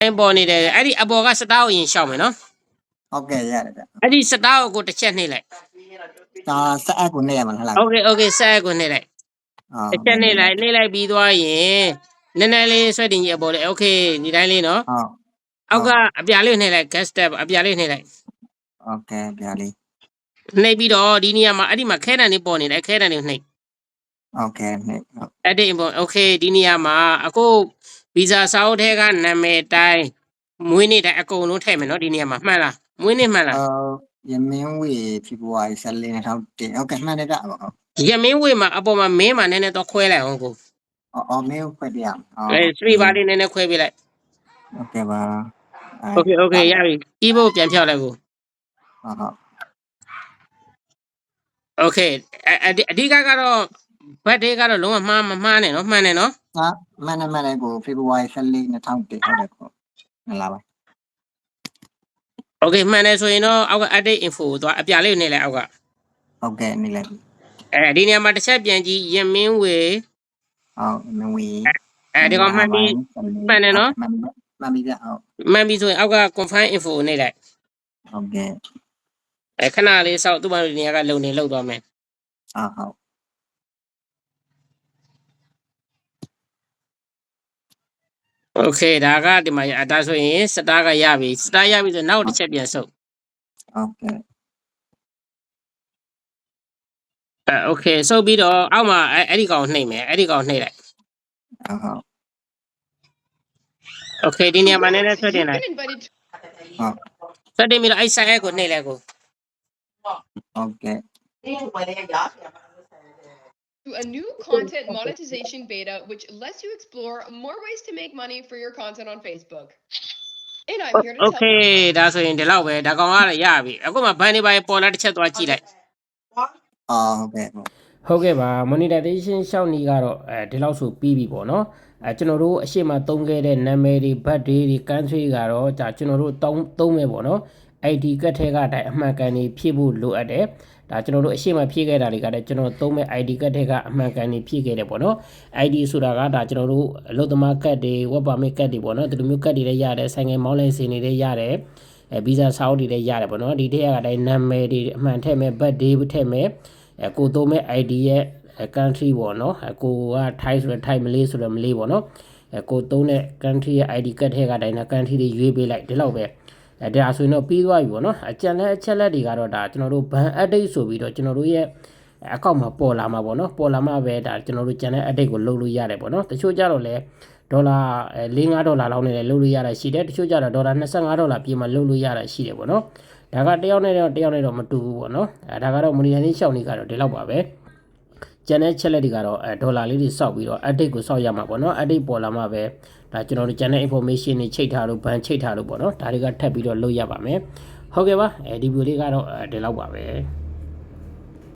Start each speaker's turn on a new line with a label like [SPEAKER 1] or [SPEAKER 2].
[SPEAKER 1] ပေါ်နေတယ်အဲ့ဒီအပေါ်ကစတားကိုရင်ရှောက်မယ်နော်
[SPEAKER 2] ဟုတ်ကဲ့ရတယ်ဗျ
[SPEAKER 1] အဲ့ဒီစတားကိုတစ်ချက်နှိပ်လိုက်
[SPEAKER 2] ဒါဆက်အပ်ကိုနေရမှာလား
[SPEAKER 1] โอเคဆက်ကိုနှိပ်လိုက်တစ်ချက်နှိပ်လိုက်ပြီးသွားရင်နည်းနည်းလေးဆွဲတင်ကြီးအပေါ်လေโอเคဒီတိုင်းလေးနော်
[SPEAKER 2] ဟုတ်
[SPEAKER 1] အောက်ကအပြာလေးနှိပ်လိုက် gas step အပြာလေးနှိပ်လိုက်
[SPEAKER 2] โอเคဗျာလေး
[SPEAKER 1] နှိပ်ပြီးတော့ဒီနေရာမှာအဲ့ဒီမှာခဲတံလေးပေါ်နေတယ်ခဲတံလေးနှိပ်
[SPEAKER 2] โอเคနှိပ်
[SPEAKER 1] အဲ့ဒီပေါ့โอเคဒီနေရာမှာအခုဗီဇာစာအုပ်ထဲကနာမည်တိုင်းမွေးနေ့တိုင်းအကုန်လုံးထည့်မယ်နော်ဒီနေရာမှာမှန်လားမွေးနေ့မှန်လား
[SPEAKER 2] ရမင်းဝေဖေဖော်ဝါရီ14နဲ့ထောက်တင်ဟုတ်ကဲ့မှန်တယ်ဗျဟုတ်
[SPEAKER 1] ရမင်းဝေမှာအပေါ်မှာမင်းမှာနည်းနည်းတော့ခွဲလိုက်အောင်ကို
[SPEAKER 2] အော်မင်းခွဲပြရအောင်
[SPEAKER 1] စပီပါလေးနည်းနည်းခွဲပေးလိုက်
[SPEAKER 2] โอเคပါ
[SPEAKER 1] โอเคရပြီအီးဘုတ်ပြန်ဖြောက်လိုက်ကို
[SPEAKER 2] ဟုတ်
[SPEAKER 1] โอเคအဓိကကတော့ဘတ်ဒေးကတော့လုံးဝမှားမမှားနဲ့နော်မှန်တယ်နော်
[SPEAKER 2] ဟာမှန်တယ်ကိုဖေဖော်ဝါရီ14နဲ့ထောက်တင်ဟုတ်တယ်ကိုမှန်လားပါ
[SPEAKER 1] โอเคမှန်တယ်ဆိုရင်တော့အောက်က update info ကိုသွားအပြာလေးကိုနှိပ်လိုက်အောက်က
[SPEAKER 2] ဟုတ်ကဲ့နေလိုက်
[SPEAKER 1] ဒီနေရာမှာတစ်ချက်ပြန်ကြည့်ရမင်းဝေ
[SPEAKER 2] ဟုတ်မင်းဝေ
[SPEAKER 1] ဒီကောင်မှန်ပြီမှန်တယ်နော်
[SPEAKER 2] မှန်ပြီဗျဟုတ်
[SPEAKER 1] မှန်ပြီဆိုရင်အောက်က confirm info ကိုနှိပ်လိုက်
[SPEAKER 2] ဟုတ်ကဲ့
[SPEAKER 1] ခဏလေးစောက်သူ့ဘာလို့ဒီနေရာကလုံနေလောက်သွားမယ်
[SPEAKER 2] ဟုတ်
[SPEAKER 1] โอเคဒါကဒီမှာဒါဆိုရင်စတားကရပြီစတားရပြီဆိုနောက်တစ်ချက်ပြန်ဆုပ်
[SPEAKER 2] ဟုတ်ကဲ့
[SPEAKER 1] โอเคဆုပ်ပြီးတော့အောက်မှာအဲ့ဒီကောင်နှိပ်မယ်အဲ့ဒီကောင်နှိပ်လိုက်
[SPEAKER 2] ဟုတ်
[SPEAKER 1] โอเคဒီနေရာမှာနည်းနည်းဆွဲတင်လိုက်
[SPEAKER 2] ဟုတ်
[SPEAKER 1] ဆွဲတင်ပြီးတော့အဲ့ဆိုင်အဲ့ကိုနှိပ်လိုက်ကို
[SPEAKER 2] ဟုတ်ကဲ့
[SPEAKER 3] To a new content monetization beta, which lets you explore more ways to make money for your content on Facebook. And I'm here to
[SPEAKER 1] โอ
[SPEAKER 3] tell
[SPEAKER 1] เคဒါဆိုရင်ဒီလောက်ပဲဒါကောင်ကလည်းရပြီအခုမှဘန်နေပါပေါ်လာတစ်ချက်သွားကြည့်လိုက်
[SPEAKER 2] ဟုတ်ကဲ့
[SPEAKER 1] ဟုတ်ကဲ့ပါ monetization ရှောက်နီကတော့ဒီလောက်ဆိုပြီးပြီပေါ့နော်ကျွန်တော်တို့အရှိမသုံးခဲ့တဲ့နာမည်တွေ birthday တွေ country ကတော့ဒါကျွန်တော်တို့သုံးမယ်ပေါ့နော် ID ကတ်ထဲကတိုင်အမှန်ကန်နေဖြည့်ဖို့လိုအပ်တယ်ဒါကျွန်တော်တို့အရှိမဖြည့်ခဲ့တာတွေကလည်းကျွန်တော်သုံးမဲ့ ID ကတ်ထဲကအမှန်ကန်နေဖြည့်ခဲ့တယ်ပေါ့နော် ID ဆိုတာကဒါကျွန်တော်တို့အလုပ်သမားကတ်တွေ web permit ကတ်တွေပေါ့နော်ဒီလိုမျိုးကတ်တွေလည်းရတယ်ဆိုင်ငယ်မောင်းလဲစီနေလည်းရတယ်ဗီဇာစာအုပ်တွေလည်းရတယ်ပေါ့နော်ဒီထက်ကတိုင်နာမည်တွေအမှန်ထည့်မဲ့ birthday ထည့်မဲ့ကိုသုံးမဲ့ ID ရဲ့ country ပေါ့နော်ကိုက Thai ဆိုတော့ Thai မလေးဆိုတော့မလေးပေါ့နော်ကိုသုံးတဲ့ country ရဲ့ ID ကတ်ထဲကတိုင်နာ country တွေရွေးပေးလိုက်ဒီလောက်ပဲဒါဆိုရင်တော့ပြီးသွားပြီပေါ့နော်အချက်လက်တွေကတော့ဒါကျွန်တော်တို့ ban update ဆိုပြီးတော့ကျွန်တော်တို့ရဲ့အကောင့်မှာပေါ်လာမှာပေါ့နော်ပေါ်လာမှာပဲဒါကျွန်တော်တို့ channel update ကိုလုပ်လို့ရတယ်ပေါ့နော်တချို့ကြတော့လဲဒေါ်လာ4-5ဒေါ်လာလောက်နဲ့လည်းလုပ်လို့ရတာရှိတယ်တချို့ကြတော့ဒေါ်လာ25ဒေါ်လာပြင်မှလုပ်လို့ရတာရှိတယ်ပေါ့နော်ဒါကတယောက်နဲ့တော့မတူဘူးပေါ့နော်ဒါကတော့ monetization ရှောက်နေကတော့ဒီလောက်ပါပဲကျန်တဲ့ချက်လက်တွေကတော့ဒေါ်လာလေးတွေစောက်ပြီးတော့ update ကိုစောက်ရမှာပေါ့နော် update ပေါ်လာမှာပဲဒါကျွန်တော်တို့ကျန်တဲ့ information တွေချိတ်ထားလို့ ban ချိတ်ထားလို့ပေါ့နော်ဒါတွေကထပ်ပြီးတော့လုပ်ရပါမယ်ဟုတ်ကဲ့ပါဒီဗီဒီယိုလေးကတော့ဒီလောက်ပါပဲ